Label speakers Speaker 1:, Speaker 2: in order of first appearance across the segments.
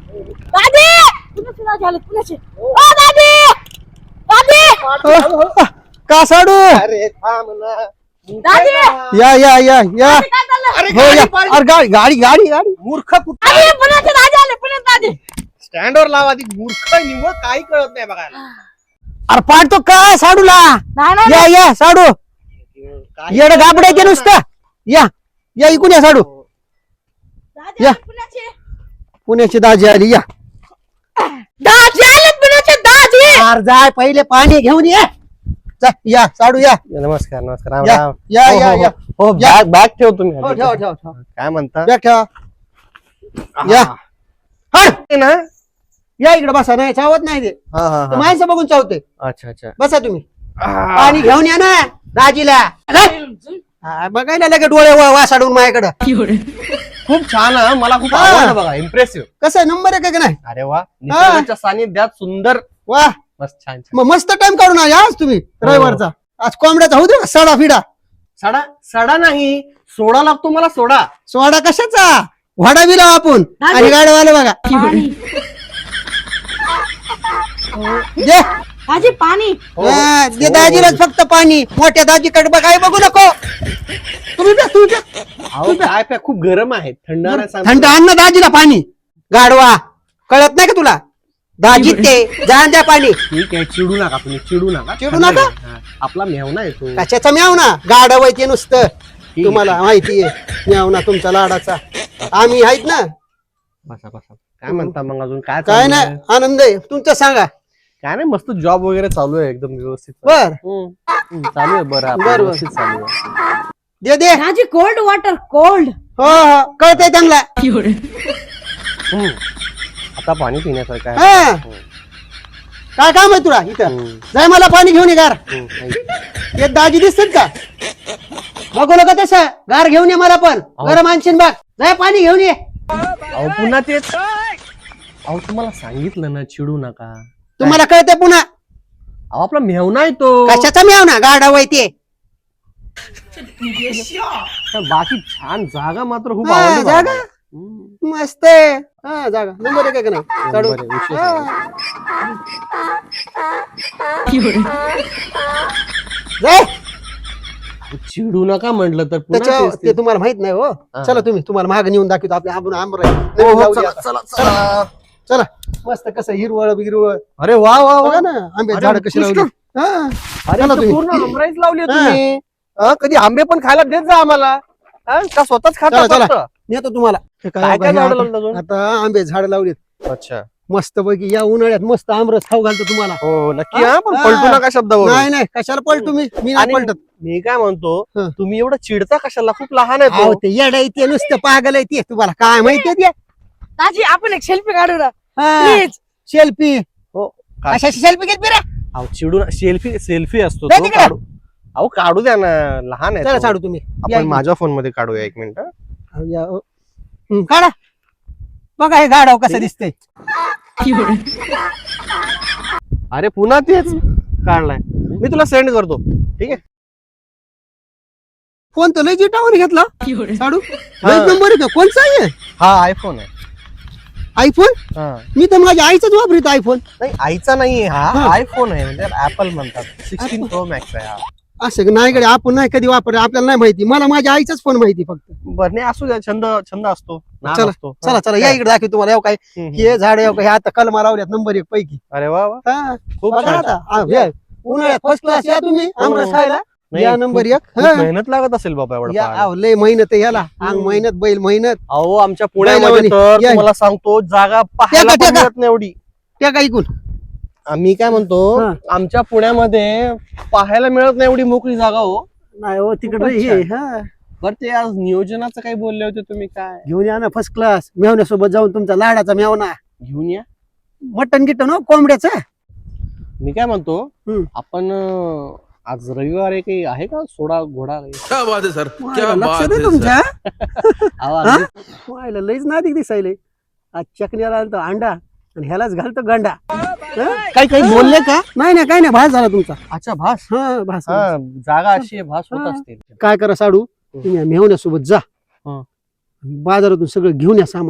Speaker 1: दादी पुण्याचे दाजी आले पुण्याचे ओ दादी दादी
Speaker 2: का साडू?
Speaker 3: अरे थांब ना.
Speaker 1: दादी
Speaker 2: या या या या
Speaker 1: काय चाललं
Speaker 3: अरे
Speaker 2: हो या.
Speaker 3: गाडी
Speaker 2: अरे गाडी गाडी गाडी गाडी
Speaker 3: मूर्ख कुठे
Speaker 1: अरे पुण्याचे दाजी आले पुण्याचे दादी
Speaker 3: स्टँडवर लावा ती मूर्ख निवळ काही कळत नाही बघायला.
Speaker 2: अरे पाडतो काय साडूला?
Speaker 1: नाही नाही
Speaker 2: या या साडू
Speaker 3: काही
Speaker 2: येड गाबडायचे नुसतं. या या इकून या साडू.
Speaker 1: दादी
Speaker 2: या.
Speaker 1: आले पुण्याचे
Speaker 2: पुण्याची दाजी आली या.
Speaker 1: दाजी आले पुण्याचे दाजी
Speaker 2: अरे जाय पहिले पाणी घेऊन ये. जा, या साडू या
Speaker 3: नमस्कार नमस्कार राम
Speaker 2: या
Speaker 3: राम.
Speaker 2: या
Speaker 3: हो,
Speaker 2: या
Speaker 3: हो,
Speaker 2: या.
Speaker 3: हो
Speaker 2: या.
Speaker 3: बॅग ठेव तुम्ही.
Speaker 2: हो, ठेवा ठेवा ठेवा.
Speaker 3: काय म्हणता?
Speaker 2: या ठेवा. या. हट.
Speaker 3: ते ना
Speaker 2: या इकडे बसा. नाही चावत नाही ते.
Speaker 3: हा हा
Speaker 2: ते
Speaker 3: हा.
Speaker 2: माणसं बघून चावते.
Speaker 3: अच्छा अच्छा.
Speaker 2: बसा तुम्ही.
Speaker 3: आह.
Speaker 2: पाणी घेऊन या ना दाजीला. हा, बघायला लगे डोळे वासाडून माझ्याकडं.
Speaker 3: खूप छान हा. मला खूप
Speaker 2: हा.
Speaker 3: आवडलं बघा. इम्प्रेसिव्ह.
Speaker 2: कसं आहे, नंबर आहे का नाही?
Speaker 3: अरे वा निसर्गाच्या सानिध्यात सुंदर.
Speaker 2: वा
Speaker 3: मस्त छान छान.
Speaker 2: मग मस्त टाइम काढून आले आज तुम्ही रविवारचा. आज कोंबड्याचा होऊ दे ना, सडा फिडा.
Speaker 3: सडा सडा नाही सोडा लागतो मला सोडा.
Speaker 2: सोडा कशाचा? वाडा बिला आपण
Speaker 1: दाजी.
Speaker 2: आणि गाडीवाले बघा.
Speaker 1: पाणी
Speaker 2: दे.
Speaker 1: दाजी पाणी
Speaker 2: हा, दे दाजीलाच फक्त पाणी. मोठ्या दाजीकडे बघाय बघू नको. तुम्ही प्या, तुम्ही प्या.
Speaker 3: अहो काय प्या खूप गरम आहे थंड नाही सांगतो.
Speaker 2: थंड आण ना दाजीला पाणी. गाडवा कळत नाही का तुला? दाजी ते जाण द्या पाणी.
Speaker 3: ठीक आहे चिडू नका तुम्ही चिडू नका.
Speaker 2: चिडू नका?
Speaker 3: हा, आपला मेवना येतो.
Speaker 2: कशाचा म्याव ना गाडव ते नुसतं.
Speaker 3: आहे.
Speaker 2: तुम्हाला माहितीये म्याव ना तुमचा लाडाचा. आम्ही आहेत ना.
Speaker 3: बसा बसा. काय म्हणता मग अजून काय
Speaker 2: काय
Speaker 3: चालू
Speaker 2: नाही
Speaker 3: आहे?
Speaker 2: आनंद आहे तुमचं सांगा.
Speaker 3: काय नाही मस्त जॉब वगैरे चालू आहे एकदम व्यवस्थित.
Speaker 2: बर
Speaker 3: चालू आहे बरं आपलं
Speaker 2: बरं, बरं.
Speaker 3: व्यवस्थित चालू आहे.
Speaker 2: दे दे.
Speaker 1: दाजी कोल्ड वॉटर कोल्ड
Speaker 2: हो हो कळतंय त्यांना.
Speaker 3: हम्म. आता पाणी पिण्यासारखं आहे.
Speaker 2: हा.
Speaker 3: हम्म.
Speaker 2: काय काम आहे तुला इथं?
Speaker 3: हम्म.
Speaker 2: जाय मला पाणी घेऊन ये गार.
Speaker 3: हम्म.
Speaker 2: ते दाजी दिसतात का? बघू नका तसं. गार घेऊन ये मला पण. गरम आणशीन बघ. जाय पाणी घेऊन ये.
Speaker 3: अहो पुन्हा तेच. अहो तुम्हाला सांगितलं ना चिडू नका.
Speaker 2: तुम्हाला कळतंय पुन्हा.
Speaker 3: अहो आपला मेवना येतो.
Speaker 2: कशाचा म्याव ना गाडव आहे ते.
Speaker 3: बाकी छान जागा मात्र खूप
Speaker 2: हा,
Speaker 3: आवडली मला.
Speaker 2: जागा?
Speaker 3: हम्म.
Speaker 2: मस्त आहे. हा जागा नंबर एक आहे का नाही? चालू.
Speaker 3: बरं, विशेष
Speaker 2: हा. जाय.
Speaker 3: चिडू नका म्हटलं तर पुन्हा
Speaker 2: त्याच्या
Speaker 3: तेच
Speaker 2: ते तुम्हाला माहित नाही हो.
Speaker 3: हा.
Speaker 2: चला तुम्ही तुम्हाला माग नेऊन दाखवतो आपल्या आंबून आंबर आहे.
Speaker 3: हो,
Speaker 2: नवीन
Speaker 3: हो,
Speaker 2: लावली
Speaker 3: चला,
Speaker 2: आता.
Speaker 3: चला, चला.
Speaker 2: चला मस्त कसं हिरवळ बिरवळ
Speaker 3: अरे वा वा वा
Speaker 2: बघा ना आंबे
Speaker 3: अरे,
Speaker 2: झाड कशी लावली.
Speaker 3: उत्कृष्ट.
Speaker 2: हा.
Speaker 3: अरे
Speaker 2: चला
Speaker 3: इथं
Speaker 2: तुम्ही.
Speaker 3: पूर्ण आमराईच लावली आहे
Speaker 2: हा.
Speaker 3: तुम्ही. हा, कधी आंबे पण खायला देत जा आम्हाला. हा, का स्वतःच खाता
Speaker 2: चला,
Speaker 3: फक्त?
Speaker 2: नेतो तुम्हाला. हे
Speaker 3: काय काय
Speaker 2: बघा,
Speaker 3: झाडं
Speaker 2: आता-
Speaker 3: लावलं अजून?
Speaker 2: आता आंबे झाड लावलीत
Speaker 3: अच्छा
Speaker 2: मस्त पैकी. या उन्हाळ्यात मस्त आमरस खाऊ घालतो तुम्हाला.
Speaker 3: हो नक्की
Speaker 2: हा?
Speaker 3: हा पण
Speaker 2: हा.
Speaker 3: पलटू नका शब्दावर.
Speaker 2: नाही नाही कशाला पळतो मी नाही
Speaker 3: आणि
Speaker 2: पलटत.
Speaker 3: मी काय म्हणतो
Speaker 2: हा.
Speaker 3: तुम्ही एवढं चिडता कशाला खूप लहान आहे
Speaker 2: अहो
Speaker 3: तो.
Speaker 2: ते येड आहे ते नुसतं पागल आहे ते. तुम्हाला काय माहितीये ते?
Speaker 1: दाजी आपण एक सेल्फी काढू ना
Speaker 2: हा.
Speaker 1: Please
Speaker 2: selfie.
Speaker 3: हो काय?
Speaker 2: कशाची सेल्फी घेत बिरा?
Speaker 3: अहो चिडू सेल्फी सेल्फी असतो
Speaker 2: दे
Speaker 3: तो
Speaker 2: तिकडे.
Speaker 3: काढू. अहो काढू द्या ना लहान आहे
Speaker 2: चला
Speaker 3: तो.
Speaker 2: साडू तुम्ही. या
Speaker 3: आपण
Speaker 2: इकडे.
Speaker 3: माझ्या फोन मध्ये काढूया एक मिनिट.
Speaker 2: या, काढा. बघा हे गाडाव कसं दिसतंय.
Speaker 3: अरे पुन्हा तेच काढलाय मी तुला सेंड करतो. ठीक आहे.
Speaker 2: फोन तर लय जिटावर घेतला साडू.
Speaker 3: हा.
Speaker 2: लय नंबर आहे का? कोणचा आहे?
Speaker 3: हा आयफोन आहे.
Speaker 2: आयफोन.
Speaker 3: हा.
Speaker 2: मी तर माझ्या आईचाच वापरतो आयफोन.
Speaker 3: नाही आईचा नाहीये हा
Speaker 2: हा.
Speaker 3: आयफोन आहे म्हणजे ऍपल म्हणतात. 16 प्रो मॅक्स आहे हा.
Speaker 2: असं नाही कडे आपण नाही कधी वापरलं आपल्याला नाही माहिती. मला माझ्या आईचाच फोन माहिती फक्त.
Speaker 3: बरं नाही असू द्या छंद छंद असतो नाद
Speaker 2: चला,
Speaker 3: असतो.
Speaker 2: चला चला या इकडे दाखव तुम्हाला. काय
Speaker 3: हम्म, हम्म.
Speaker 2: हे झाड हे आता कलमा लावल्यात नंबर 1 पैकी.
Speaker 3: अरे वा वा
Speaker 2: हा.
Speaker 3: खूप
Speaker 2: बघा
Speaker 3: छान.
Speaker 2: आता. हे, उन्हाळ्यात फर्स्ट क्लास या तुम्ही आमरस खायला.
Speaker 3: नाही,
Speaker 2: या नंबर 1.
Speaker 3: खूप मेहनत लागत असेल बाबा एवढं
Speaker 2: या
Speaker 3: पाहायला.
Speaker 2: अहो, लय मेहनत आहे याला. अंग मेहनत बैल मेहनत.
Speaker 3: अहो आमच्या पुण्यामध्ये
Speaker 2: बैलावानी.
Speaker 3: तर
Speaker 2: या.
Speaker 3: तुम्हाला सांगतो जागा पाहायला
Speaker 2: टेका,
Speaker 3: पण
Speaker 2: टेका.
Speaker 3: मिळत नाही एवढी.
Speaker 2: त्या काय ऐकून
Speaker 3: आम्ही काय म्हणतो
Speaker 2: हा.
Speaker 3: आमच्या पुण्यामध्ये पाहायला मिळत नाही एवढी मोकळी जागा हो.
Speaker 2: नाही हो तिकडे
Speaker 3: खूपच
Speaker 2: हे
Speaker 3: छान.
Speaker 2: हा.
Speaker 3: बरं ते आज नियोजनाचं काही बोलले होते तुम्ही काय
Speaker 2: घेऊन या ना फर्स्ट क्लास. मेवण्यासोबत जाऊन तुमचा लाडाचा मेवना.
Speaker 3: घेऊन या.
Speaker 2: मटन गिटन हो कोंबड्याचं.
Speaker 3: मी काय म्हणतो
Speaker 2: हम्म.
Speaker 3: आपण आज रविवार आहे काही आहे का सोडा घोडा काही?
Speaker 4: क्या बात है सर क्या
Speaker 2: लक्ष
Speaker 4: बात
Speaker 2: दे
Speaker 4: है सर
Speaker 2: तुमच्या.
Speaker 3: अहो,
Speaker 2: हा?
Speaker 3: अगदी-
Speaker 2: व्हायला लईच नादिक दिसायले. आज चकण्याला आणतो अंडा आणि ह्यालाच घालतो गंडा.
Speaker 3: काही काही बोलले का?
Speaker 2: नाही नाही काय नाही भास झाला तुमचा.
Speaker 3: अच्छा भास.
Speaker 2: हा भास.
Speaker 3: हा जागा अशी आहे भास होत
Speaker 2: हा.
Speaker 3: असतील.
Speaker 2: काय करा साडू तुम्ही मेवण्यासोबत जा.
Speaker 3: हा.
Speaker 2: बाजारातून सगळं घेऊन या सामान.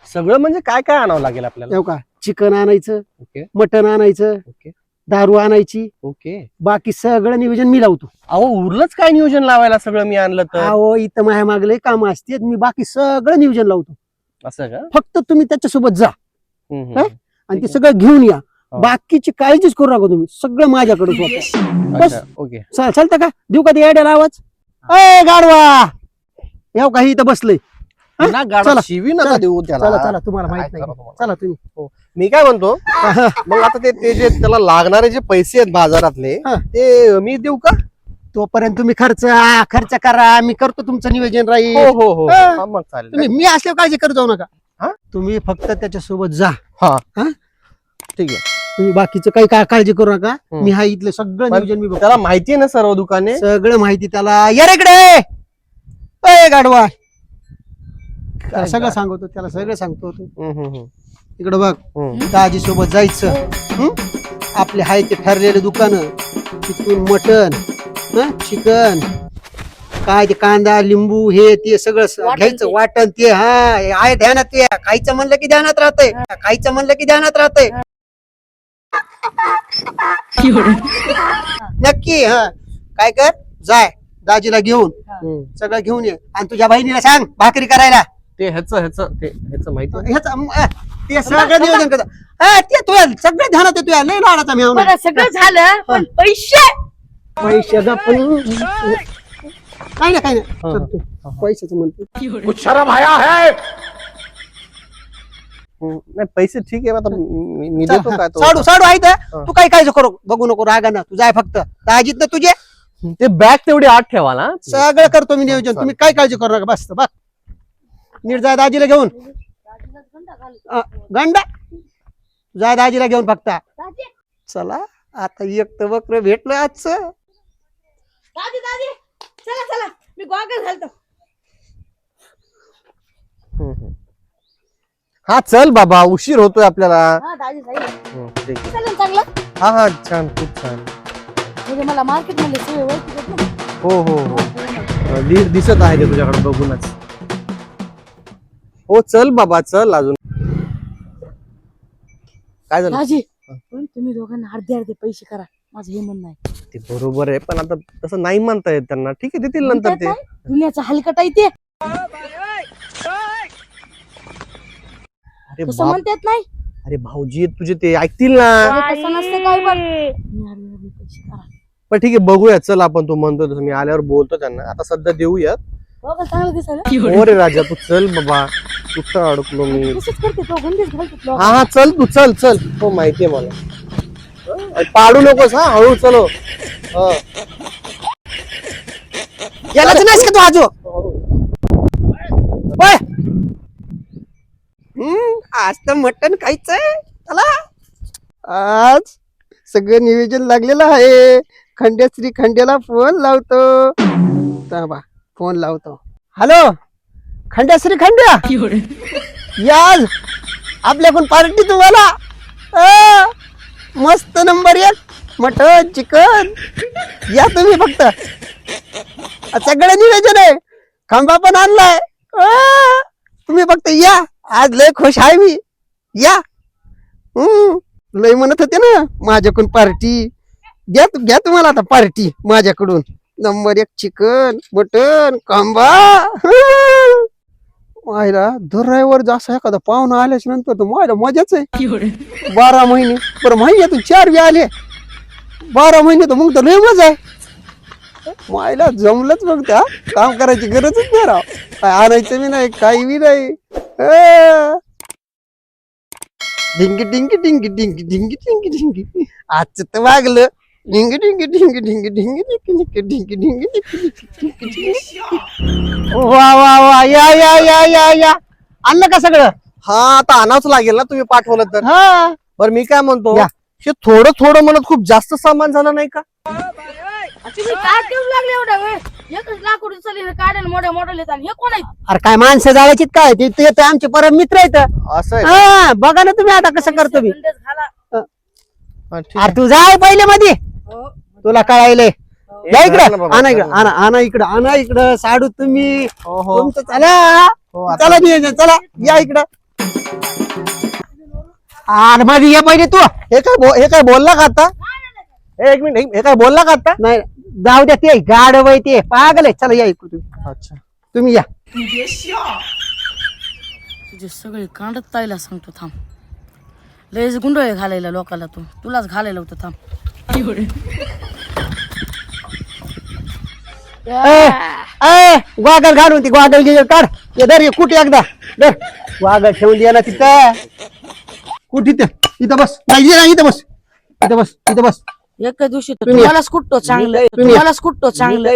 Speaker 3: सगळं म्हणजे काय काय आणावं लागेल आपल्याला?
Speaker 2: येऊ का, चिकन आणायचं,
Speaker 3: ओके
Speaker 2: मटन आणायचं,
Speaker 3: ओके
Speaker 2: दारू आणायची,
Speaker 3: ओके.
Speaker 2: बाकी सगळं नियोजन मी लावतो.
Speaker 3: अहो उरलंच काय नियोजन लावायला सगळं मी आणलं तर?
Speaker 2: अहो इथं माझ्या मागले काम असते, मी बाकी सगळं नियोजन लावतो.
Speaker 3: असं का?
Speaker 2: फक्त तुम्ही त्याच्यासोबत जा
Speaker 3: हम्म,
Speaker 2: हा?
Speaker 3: हम्म.
Speaker 2: आणि ते सगळं घेऊन या.
Speaker 3: हो.
Speaker 2: बाकीची काळजीच करू नका तुम्ही, सगळं माझ्याकडे बस.
Speaker 3: अच्छा, ओके.
Speaker 2: चालतं का, देऊ का ते याड्याला आवाज? अय गाडवा, येऊ का, इथं बसलंय. हा?
Speaker 3: पुन्हा गाडा
Speaker 2: चला,
Speaker 3: शिवी नका
Speaker 2: चला,
Speaker 3: देऊ त्याला.
Speaker 2: चला चला, तुम्हाला माहित
Speaker 3: काय
Speaker 2: नाही.
Speaker 3: करा तुम्हाला?
Speaker 2: चला तुम्ही.
Speaker 3: मी काय म्हणतो, मग आता ते जे त्याला लागणारे जे पैसे आहेत बाजारातले,
Speaker 2: हा.
Speaker 3: ते मी देऊ का?
Speaker 2: तोपर्यंत तुम्ही खर्च करा, मी करतो तुमचं नियोजन
Speaker 3: हो
Speaker 2: राहील.
Speaker 3: हो हो
Speaker 2: हा.
Speaker 3: हा, मग चालेल.
Speaker 2: तुम्ही मी असल्यावर काळजी करत जाऊ नका.
Speaker 3: हा?
Speaker 2: तुम्ही फक्त त्याच्यासोबत जा.
Speaker 3: हा
Speaker 2: हा?
Speaker 3: ठीक आहे.
Speaker 2: तुम्ही बाकीचं काही काळजी करू नका.
Speaker 3: हम्म.
Speaker 2: मी हा इथलं सगळं
Speaker 3: पण
Speaker 2: नियोजन मी बघतो.
Speaker 3: त्याला माहिती आहे ना सर्व दुकाने?
Speaker 2: सगळं माहिती त्याला. या रे इकडे, अय गाडवा, त्याला सगळं सांगतो, त्याला सगळं सांगतो. इकडे बघ, दाजी सोबत जायचं. हं? आपले हाय ते ठरलेले दुकान, तिथून मटन, चिकन, काय ते कांदा लिंबू हे ते सगळं घ्यायचं. वाटण ते हा हे आहे ध्यानात. ते खायचं म्हणलं की ध्यानात राहतंय, खायचं म्हणलं की ध्यानात राहतंय. नक्की. हा काय कर, जाय दाजीला घेऊन सगळं घेऊन ये, आणि तुझ्या बहिणीला सांग भाकरी करायला.
Speaker 3: ते ह्याच माहिती आहे?
Speaker 2: ते सगळं नियोजन कर. ते तुझ्या सगळं ध्यानात आहे, तुझ्या लय लाडाचा मेवना.
Speaker 1: बघा सगळं झालं, पण पैसे
Speaker 2: पैसे काही नाही चल तू, पैशाचं म्हणतो.
Speaker 3: कुछ शर्म आया है? नाही पैसे ठीक आहे, आता मी देतो काय तो.
Speaker 2: साडू आहे तर तू काही काळजी करू बघू नको, रागाना तू जाय फक्त दाजीत ना तुझे.
Speaker 3: ते बॅग तेवढी आत ठेवा ना.
Speaker 2: सगळं करतो मी नियोजन, तुम्ही काय काळजी करू नका. बस बघ, नीट जाय दाजीला घेऊन. गंडा जाय दाजीला घेऊन फक्त. चला आता एक तर बकर भेटलं आजचं.
Speaker 1: दादी दादी, चला चला, मी गॉगल घालतो.
Speaker 3: हा चल बाबा, उशीर होतोय आपल्याला.
Speaker 1: हा दादी जाईल.
Speaker 3: ठीक आहे.
Speaker 1: चालेल चांगलं.
Speaker 3: हा हा छान, खूप छान.
Speaker 1: म्हणजे मला मार्केट मध्ये सगळे ओळखी आहेत ना.
Speaker 3: हो हो हो, दिसत आहे ते तुझ्याकडे बघूनच. हो चल बाबा, चल. अजून काय झालं?
Speaker 1: दाजी, पण तुम्ही दोघांना अर्धे अर्धे पैसे करा, माझं हे म्हणणं आहे.
Speaker 3: ते बरोबर आहे, पण आता तसं नाही म्हणता येत त्यांना. ठीक आहे, देतील नंतर ते.
Speaker 1: दुनियाचा हलकट आहे ते,
Speaker 3: अरे
Speaker 1: तसं म्हणतात नाही.
Speaker 3: अरे भाऊजी तुझे ते ऐकतील ना.
Speaker 1: तसं नसतं काय, पण तुम्ही अर्धे अर्धे पैसे करा.
Speaker 3: पण ठीक आहे, बघूया. चल आपण, तू म्हणतो तसं मी आल्यावर बोलतो त्यांना. आता सध्या देऊयात.
Speaker 1: गॉगल चांगलं दिसायला.
Speaker 3: हो रे राजा, तू चल बाबा, कुठं अडकलो मी.
Speaker 1: तसंच करते तो, गंदीच घालतो.
Speaker 3: हा हा चल, तू चल चल. हो माहितीये मला. पाडू नकोस हा, हळू चलो.
Speaker 2: यालाच नाहीस का तू आजो? होय. आज तर मटण खायचंय चला. आज सगळं नियोजन लागलेलं आहे. खंड्याला फोन लावतो. थांबा, फोन लावतो. हॅलो खंड्या, याज आपल्याकडून पार्टी तुम्हाला. मस्त नंबर 1 मटन चिकन. या तुम्ही फक्त, सगळं नियोजन आहे. खांबा पण आणलाय. तुम्ही फक्त या, आज लय खुश आहे मी. या. लय म्हणत होते ना माझ्याकडून पार्टी. घ्या तुम्हाला आता पार्टी माझ्याकडून. नंबर 1 चिकन मटन खांबा. मायला ड्रायव्हर जसा एखादा पाहुणा आल्याच्या नंतर तर मायला मजाच आहे. 12 महिने बरं, महिन्यातून 4 बी आले. 12 महिने तर मग तर लय मजा आहे. मायला जमलंच बघ, त्या काम करायची गरजच नाही राव. काय आणायचं बी नाही, काही बी नाही. ढिंगी ढिंगी ढिंगी ढिंगी ढिंगी ढिंगी ढिंगी. आजचं तर वागलं. ढिंगी ढिंगी ढिंगी ढिंगी ढिंगी ढिंगी ढिंगी ढिंगी ढिंगी. वा वा वा, या या या या या. आणलं का सगळं?
Speaker 3: हा आता आणावंच लागेल ना, तुम्ही पाठवलं तर.
Speaker 2: हा
Speaker 3: बरं मी काय म्हणतो,
Speaker 2: या.
Speaker 3: हे थोडं म्हणत खूप जास्त सामान झालं नाही का?
Speaker 1: तुम्ही काय ठेवू लागले एवढा वेळ? एकच लाकूड चालले काढेल, मोठ्या मोठ्या येतात. हे कोण आहेत?
Speaker 2: अरे काय माणसं जाळायची काय, ते तर आमचे परम मित्र आहेत.
Speaker 3: असं आहे.
Speaker 2: हा बघा ना तुम्ही आता कसं करतो मी.
Speaker 1: गंडच घाला.
Speaker 3: हा, ठीक
Speaker 2: अरे तू जाय पहिले मध्ये,
Speaker 1: हो.
Speaker 2: तुला कळायले.
Speaker 3: आहे.
Speaker 2: या इकडं,
Speaker 3: चला बाबा,
Speaker 2: आणा इकडं,
Speaker 3: चला.
Speaker 2: आणा इकडं साडू तुम्ही.
Speaker 3: हो हो
Speaker 2: तुमचं चला
Speaker 3: हो, आता-
Speaker 2: चला नियोजन, चला या इकडं. आणि मध्ये ये पहिले तू.
Speaker 3: हे काय बोलला का आता? एक मिनिट, हे काय बोलला का आता?
Speaker 2: नाही जाऊ द्या, ते गाढव आहे ते, पागल आहे. चला या इकडे तुम्ही.
Speaker 3: अच्छा,
Speaker 2: तुम्ही या.
Speaker 1: तुझे सगळे कांडत ताईला सांगतो थांब. लयच गुंडळे घालायला लोकाला तू, तुलाच घालायला होतं थांब.
Speaker 2: ग्वागल घालून ती ग्वागल घे काढ. ये धर, कुठे एकदा धर. ग्वागल ठेवून दे ना तिथं. कुठे इथं बस. नाही इथं बस, इथं बस, इथं बस.
Speaker 1: एका दिवशी तर
Speaker 2: तुम्ही-
Speaker 1: तुम्हालाच कुठतो चांगलं,
Speaker 2: तुम्ही-
Speaker 1: तुम्हालाच कुठतो चांगलं.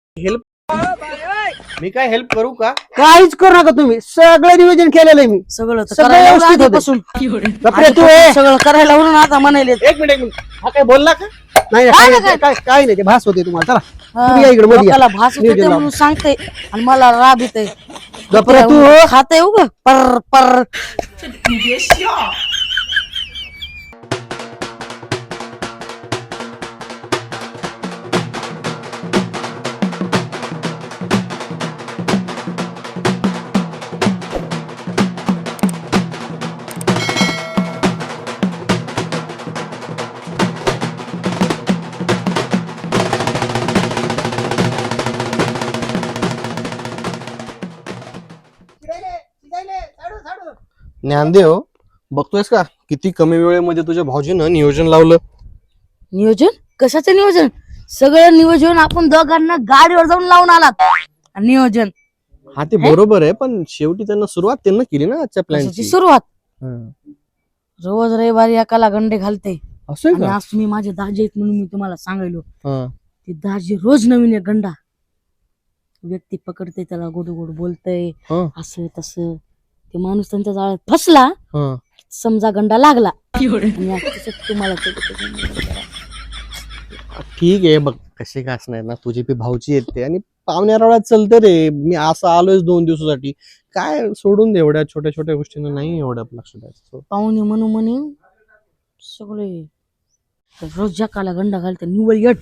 Speaker 3: मी काय हेल्प करू का?
Speaker 2: काहीच करू नका तुम्ही. सगळं नियोजन केलेलं आहे मी.
Speaker 1: सगळं तर
Speaker 2: सगळं
Speaker 1: करायला
Speaker 2: व्यवस्थित होतं.
Speaker 1: आधीपासून.
Speaker 2: गप्रे तू ए.
Speaker 1: सगळं करायला म्हणून आता म्हणाले
Speaker 3: एक मिनिट. हा काय बोलला का?
Speaker 2: नाही काय नाही, ते भास होते तुम्हाला. चला तुम्ही या इकडे मध्ये या.
Speaker 1: लोकाला भास होते
Speaker 2: नियोजन
Speaker 1: म्हणून सांगते आणि मला राब येते.
Speaker 2: गप्रे तू
Speaker 1: खाते उग पर पर.
Speaker 3: ज्ञानदेव, बघतोयस का किती कमी वेळेमध्ये तुझ्या भाऊजीनं नियोजन लावलं?
Speaker 1: नियोजन कशाचं नियोजन? सगळं नियोजन आपण दोघांना गाडीवर जाऊन लावून आलात. आणि नियोजन
Speaker 3: हा ते बरोबर आहे, पण शेवटी त्यांना सुरुवात त्यांना केली ना आजच्या
Speaker 1: कशाची
Speaker 3: प्लॅनची.
Speaker 1: सुरुवात? रोज रविवारी एकाला गंडे घालते.
Speaker 3: असं
Speaker 1: आणि
Speaker 3: का?
Speaker 1: आज तुम्ही माझे दाजी आहेत म्हणून मी तुम्हाला सांगायलो.
Speaker 3: हा.
Speaker 1: ते दाजी रोज नवीन एक गंडा व्यक्ती पकडते, त्याला गोड गोड बोलतय
Speaker 3: हा.
Speaker 1: असं तसं. ते माणूस त्यांच्या जाळ्यात फसला,
Speaker 3: हा.
Speaker 1: समजा गंडा लागला. आणि आज तसंच तुम्हाला ते-
Speaker 3: ठीक आहे, बघ कसे का असणार ना, तुझे बी भाऊची येते आणि पाहुण्यारावळ्यात चलते रे. मी असं आलोय 2 दिवसासाठी, काय सोडून दे. एवढ्या छोट्या छोट्या गोष्टींना नाही एवढं लक्ष द्यायचं.
Speaker 1: पाहुणे म्हणून म्हणे सगळे रोज जकाला गंडा घालते निवळ येट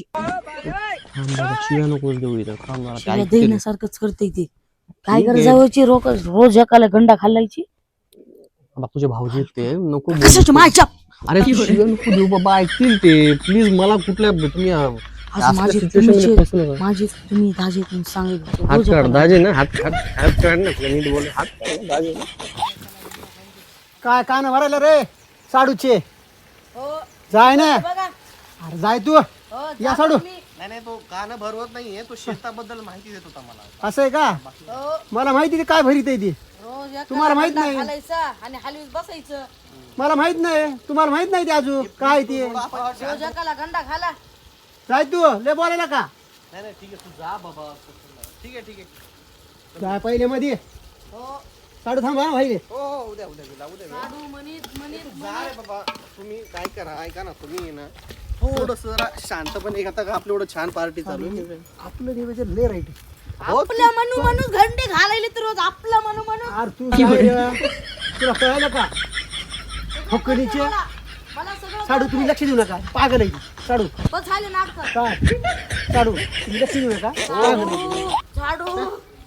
Speaker 3: शिव्या नकोच देऊ इथं. थांब जरा, काय
Speaker 1: शिव्या
Speaker 3: ते-
Speaker 1: देण्यासारखंच करते ते. काय
Speaker 3: ठीक आहे.
Speaker 1: गरजावची रोज एकाला गंडा खाल्लायची?
Speaker 3: बघ, तुझे भाऊजी आहेत ते, नको बोलू.
Speaker 1: कशाची मायच्या?
Speaker 3: अरे तू शिव्या नको देऊ बाबा, ऐकतील ते. प्लीज मला कुठल्या तुम्ही
Speaker 1: आज
Speaker 3: असल्या
Speaker 1: माझे
Speaker 3: situation मध्ये
Speaker 1: तुमचे-
Speaker 3: फसू नका.
Speaker 1: माझे तुम्ही दाजी म्हणून सांगितलं
Speaker 3: हात
Speaker 1: रोज
Speaker 3: काढ
Speaker 1: एकाला-
Speaker 3: दाजे ना, हात काढ, हात काढ ना. नीट बोल, हात काढ ना, दाजे.
Speaker 2: काय कान भरायला रे साडूचे?
Speaker 1: हो,
Speaker 2: जाय ना.
Speaker 1: बघा.
Speaker 2: अरे जाय तू.
Speaker 1: हो,
Speaker 2: या
Speaker 1: जा
Speaker 2: साडू.
Speaker 1: तुम्ही.
Speaker 3: नाही तो गाणं भरवत नाहीये, तो शेताबद्दल माहिती देत होता मला.
Speaker 2: असं आहे का?
Speaker 1: हो,
Speaker 2: मला माहिती आहे काय भरीत आहे ती.
Speaker 1: रोज एकाला
Speaker 2: तुम्हाला माहित
Speaker 1: गंडा
Speaker 2: नाही?
Speaker 1: घालायचा आणि हलवीत बसायचं.
Speaker 2: मला माहित नाही. तुम्हाला माहित नाही ते अजून काय ते.
Speaker 1: रोज एकाला गंडा घाला.
Speaker 2: जाय तू. लय बोलायला का?
Speaker 3: नाही ठीक आहे, तू जा बाबा. ठीक आहे.
Speaker 2: जाय पहिले मध्ये.
Speaker 1: हो,
Speaker 2: साडू थांबा भाई.
Speaker 3: हो उद्या
Speaker 1: साडू म्हणीत
Speaker 3: जा रे बाबा. तुम्ही काय करा, ऐका ना, तुम्ही ना थोडस जरा शांतपणे. आता आपलं एवढं छान पार्टी चालू आहे.
Speaker 2: आपलं नियोजन लय राईट.
Speaker 1: आपलं म्हणून घंटे घालायले तर रोज आपलं म्हणून
Speaker 2: अरे तू जाय रे. तुला कळायला का? फकणीचे
Speaker 1: मला सगळं
Speaker 2: साडू तुम्ही लक्ष देऊ नका. पागल आहे ती. साडू
Speaker 1: बस झाले नाटक.
Speaker 2: काय? साडू तुम्ही लक्ष देऊ नका. पागल आहे ती.
Speaker 1: झाडू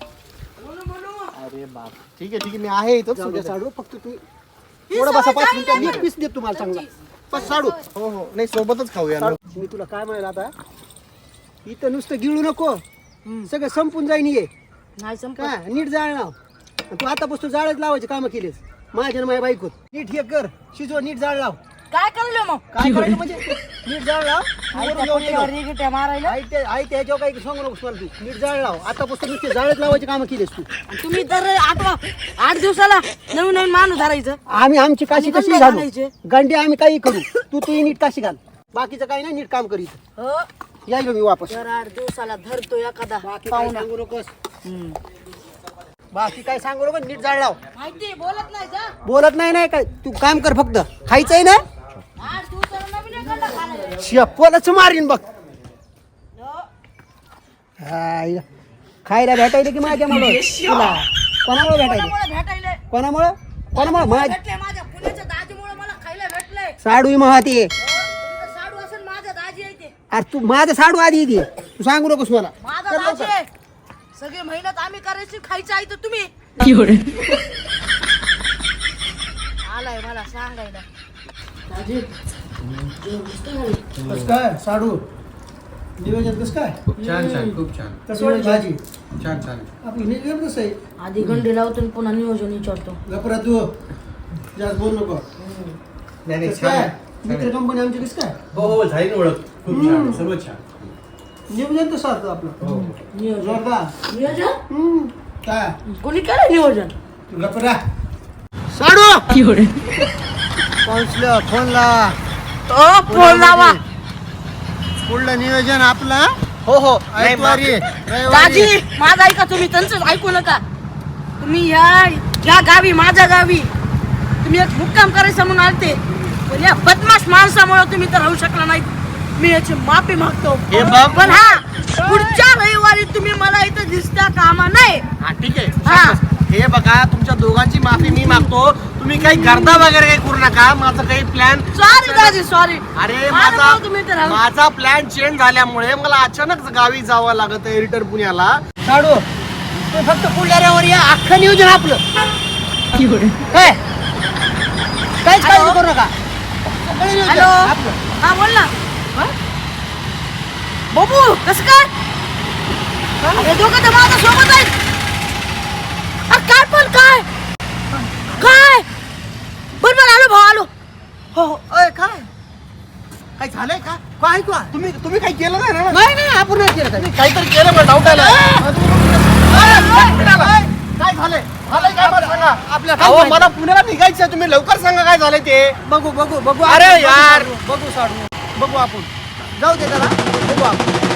Speaker 3: अरे बाप, ठीक आहे, मी आहे इथं.
Speaker 2: जाऊ द्या साडू. फक्त तू थोडं बसा 5 मिनिटं. मी पीस देतो तुम्हाला चांगला. बस साडू.
Speaker 3: हो नाही, सोबतच खाऊया ना.
Speaker 2: मी तुला काय म्हणाल आता, इथं नुसतं गिळू नको. सगळं संपून जाईन ये.
Speaker 1: नाही संपत.
Speaker 2: काय नीट जाळ लाव. तू आतापासून जाळच लावायचे काम केलेस. माझ्या माझ्या बायकोत नीट हे कर. शिजव, नीट जाळ लाव.
Speaker 1: काय करलो मग?
Speaker 2: काय करायचं म्हणजे नीट जाळ लाव. वरून जेवण ठेव.
Speaker 1: रिगिट्या मारायला.
Speaker 2: आई ते ह्याच्यावर काही सांगू नकोस मला. तू नीट जाळ लाव. आतापासून नुसते जाळच लावायचे काम केलेस तू.
Speaker 1: आणि तुम्ही तर 8 दिवसाला नवीन नवीन माणूस धरायचं.
Speaker 2: आम्ही आमची काशी
Speaker 1: आणि
Speaker 2: कशी
Speaker 1: गंडे
Speaker 2: घालू.
Speaker 1: घालायचे.
Speaker 2: गंडे आम्ही काही करू. तू नीट काशी घाल. बाकीचं काही नाही. नीट काम करीत
Speaker 1: हो,
Speaker 2: यायलो मी वापस.
Speaker 1: दर 8 दिवसाला धरतो एखादा
Speaker 2: बाकी काय
Speaker 1: पाहुणा.
Speaker 2: सांगू नकोस. बाकी काय सांगू नको. नीट जाळ लाव.
Speaker 1: माहिती बोलत नाही जा.
Speaker 2: बोलत नाही काय. तू काम कर फक्त. खायचंय ना.
Speaker 1: 8 दिवसाला नवीन एखादा खायला.
Speaker 2: शपलच मारीन बघ.
Speaker 1: हो.
Speaker 2: हाय. खायला भेटायला की माझ्यामुळं तुला? कोणामुळे भेटायला?
Speaker 1: कोणामुळे भेटायले?
Speaker 2: कोणामुळे
Speaker 1: भेटले माझ्या पुण्याच्या दाजीमुळे मला खायला भेटलंय.
Speaker 2: साडू महती.
Speaker 1: तुमचं साडू असेल माझा दाजी आहे ते.
Speaker 2: अरे तू माझं साडू आधी येते. तू सांगू नकोस मला.
Speaker 1: माझा
Speaker 2: कर
Speaker 1: दाजी
Speaker 2: लवकर.
Speaker 1: आहे. सगळी मेहनत आम्ही करायची, खायची आहे तर तुम्ही. आलाय मला सांगायला. दाजी,
Speaker 2: कस काय साडू नियोजन कस काय
Speaker 4: छान छान खूप छान
Speaker 2: कसं वाटली भाजी
Speaker 4: छान छान
Speaker 2: आपलं नियोजन कसं आहे
Speaker 1: आधी गंडी लावतो आणि पुन्हा नियोजन विचारतो.
Speaker 2: गपरा तू जास्त बोल नको
Speaker 4: नाही नाही
Speaker 2: कसं
Speaker 4: छान
Speaker 2: काय
Speaker 4: आहे, छान
Speaker 2: मित्र
Speaker 4: आहे.
Speaker 2: कंपनी आमची कसं काय
Speaker 4: हो हो झाली ना ओळख खूप छान आहे, सर्व छान
Speaker 2: नियोजन तर सारखं आपलं
Speaker 4: हो हो.
Speaker 1: नियोजन
Speaker 2: जोरदार
Speaker 1: नियोजन
Speaker 2: काय
Speaker 1: कोणी केलं नियोजन?
Speaker 2: गपरा साडू काउन्सिलर फोन लावा
Speaker 1: फोन लावा.
Speaker 2: पुढलं नियोजन आपलं
Speaker 3: हो हो
Speaker 2: ऐकवारी
Speaker 1: दाजी माझं ऐका, तुम्ही त्यांचं ऐकू नका. तुम्ही या गावी, माझ्या गावी तुम्ही एक मुक्काम करायचं म्हणून आलते, पण या बदमाश माणसामुळे तुम्ही तर राहू शकला नाही. मी याची माफी मागतो.
Speaker 3: हे बघ.
Speaker 1: पण हा पुढच्या रविवारी तुम्ही मला इथं दिसता कामा नाही.
Speaker 3: हा ठीक
Speaker 1: हा.
Speaker 3: आहे. हे बघा तुमच्या दोघांची माफी मी मागतो. तुम्ही काही गर्दा वगैरे काही करू नका. माझं काही प्लॅन
Speaker 1: सॉरी दाजी, सॉरी.
Speaker 3: अरे
Speaker 1: माझ्यामुळं तुम्ही इथं राहू.
Speaker 3: माझा प्लॅन चेंज झाल्यामुळे मला अचानक गावी जावं लागत आहे रिटर्न पुण्याला.
Speaker 2: साडू तू फक्त पुढल्यावर या अख्खं नियोजन आपलं काय काहीच काळजी करू नका सगळं नियोजन
Speaker 1: हॅलो.
Speaker 2: आपलं.
Speaker 1: हा बोल ना. बाबू कसं काय? हे दोघं तर माझ्या सोबत आहेत. काय पण काय काय बरोबर आलो भाऊ, आलो.
Speaker 3: हो हो. अय, काय काय झालंय का?
Speaker 2: काय तू
Speaker 3: तुम्ही काही केलं नाही ना?
Speaker 2: नाही नाही आपण नाही केलं काय.
Speaker 3: काहीतरी केलं मला डाऊट आला. काय झालंय? झालंय काय मला सांगा.
Speaker 2: आपल्या
Speaker 3: अहो मला पुण्याला निघायचं, तुम्ही लवकर सांगा काय झालंय ते.
Speaker 2: बघू
Speaker 3: अरे
Speaker 2: आपण,
Speaker 3: यार.
Speaker 2: बघू साडू बघू आपण जाऊ दे त्याला बघू आपण